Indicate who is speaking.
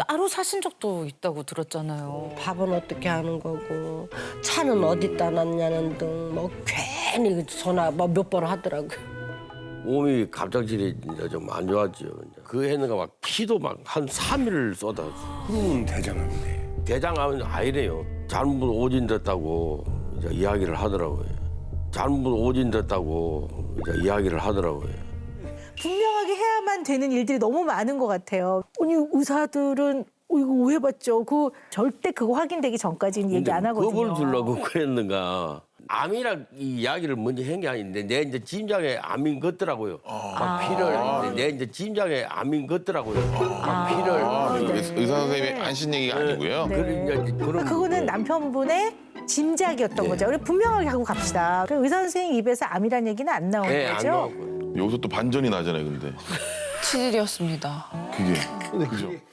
Speaker 1: 따로 사신 적도 있다고 들었잖아요.
Speaker 2: 밥은 어떻게 하는 거고 차는 어디다 놨냐는 등 뭐 괜히 전화 뭐 몇 번 하더라고요.
Speaker 3: 몸이 갑작스레 진짜 좀 안 좋았죠. 그 해는가 막 피도 막 한 3일을 쏟았어.
Speaker 4: 대장암이네.
Speaker 3: 대장암은 아니래요. 잘못 오진됐다고 이제 이야기를 하더라고요. 잘못 오진됐다고 이제 이야기를 하더라고요.
Speaker 5: 분명하게 해야만 되는 일들이 너무 많은 것 같아요. 아니 의사들은 이거 오해받죠. 그 절대 그거 확인되기 전까지는 얘기 안 하거든요.
Speaker 3: 겁을 주려고 그랬는가. 암이라 이 이야기를 먼저 한 게 아닌데 내 이제 심장에 암인 것더라고요. 막 피를 내 이제 심장에 암인 것더라고요. 막 피를
Speaker 6: 의사 선생님의 안신 얘기가 아니고요.
Speaker 5: 네.
Speaker 3: 그런 이제 그런
Speaker 5: 그거는 남편분의 짐작이었던 거죠. 우리 분명하게 하고 갑시다. 그 의사 선생님 입에서 암이란 얘기는 안 나온
Speaker 3: 네, 안
Speaker 5: 거죠?
Speaker 3: 나왔고요.
Speaker 6: 여기서 또 반전이 나잖아요, 근데.
Speaker 1: 치질이었습니다.
Speaker 6: 그게. 그죠?